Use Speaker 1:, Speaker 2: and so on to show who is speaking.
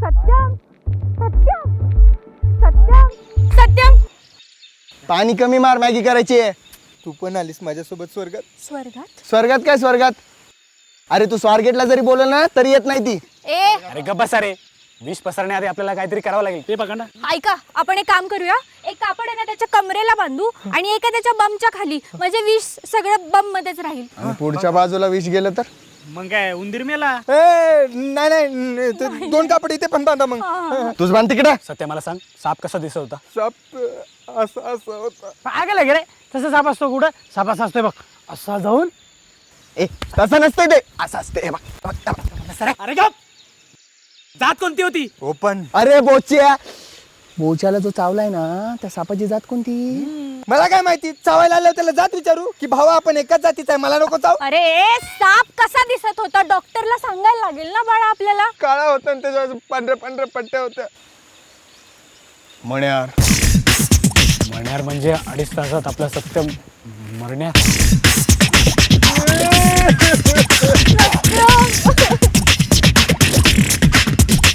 Speaker 1: सत्यम सत्यम सत्यम सत्यम.
Speaker 2: पाणी कमी मार, मॅगी करायची आहे.
Speaker 3: तू पण आलीस माझ्यासोबत स्वर्गात.
Speaker 1: स्वर्गात
Speaker 2: स्वर्गात काय स्वर्गात? अरे तू स्वारगेटला जरी बोलल ना तरी येत नाही ती.
Speaker 1: ए
Speaker 4: अरे गप्प बसा रे. विष पसरण्याआधी आपल्याला काहीतरी करावं लागेल. ते बघा ना.
Speaker 1: ऐका, आपण एक काम करूया. एक कापड आहे ना त्याच्या कमरेला बांधू आणि एका त्याच्या बमच्या खाली, म्हणजे विष सगळं बम मध्येच राहील.
Speaker 2: आणि पुढच्या बाजूला विष गेलं तर?
Speaker 4: मग काय उंदीर मेला.
Speaker 3: नाही नाही ते 2 कापड इथे पण बांधा मग.
Speaker 2: तुझ बांध तिकडे.
Speaker 4: सत्य मला सांग, साप कसा दिसत होता?
Speaker 3: साप असं होता.
Speaker 4: पागल आहे रे. तसा साप असतो कुठं? साप असा असतोय बघ, असा जाऊन.
Speaker 2: ए तसं नसतंय ते, असं असते.
Speaker 4: अरे गप. जात कोणती होती?
Speaker 3: ओपन.
Speaker 2: अरे बोच्या, बोच्याला जो चावलाय ना त्या सापाची जात कोणती?
Speaker 3: मला काय माहिती, चावायला आलं त्याला जात विचारू की भावा आपण एकाच जातीचा आहे, मला नको चाव.
Speaker 1: अरे साप कसा दिसत होता डॉक्टरला सांगायला लागेल ना बाळा आपल्याला.
Speaker 3: काळा होता आणि त्याच्यावर पांढऱ्या पांढऱ्या पट्ट्या होत्या.
Speaker 2: मण्यार.
Speaker 4: मरण्यार म्हणजे 2.5 तासात आपलं सत्य मरण्यात.